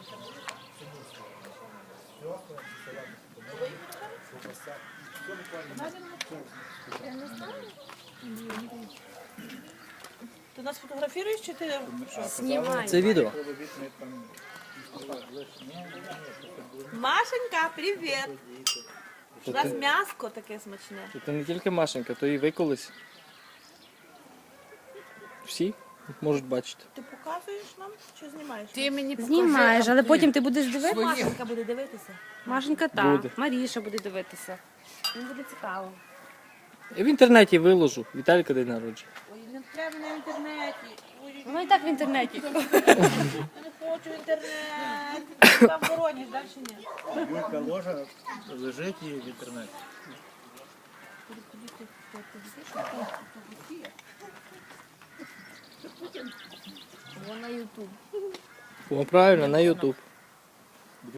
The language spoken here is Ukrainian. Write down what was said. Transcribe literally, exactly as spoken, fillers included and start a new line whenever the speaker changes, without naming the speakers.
Ти нас фотографуєш чи ти що?
Знімаю.
Це відео.
Машенька, привіт! У нас м'яско таке смачне.
Це не тільки Машенька, то і ви колись. Всі можуть бачити.
Ти показуєш нам чи знімаєш?
Ти мені
Знімаєш, але потім ти будеш дивитися.
Машенька буде дивитися.
Машенька та,
Буде.
Маріша буде дивитися. Їм буде цікаво.
Я в інтернеті виложу. Віталіка день народження.
Ой, не треба на інтернеті. Ой,
Воно і так в інтернеті.
я не хочу інтернет. Там воронеж, далі ні.
Юлька ложа лежить і в інтернеті.
Воно на Ютуб.
О, правильно, на Ютуб.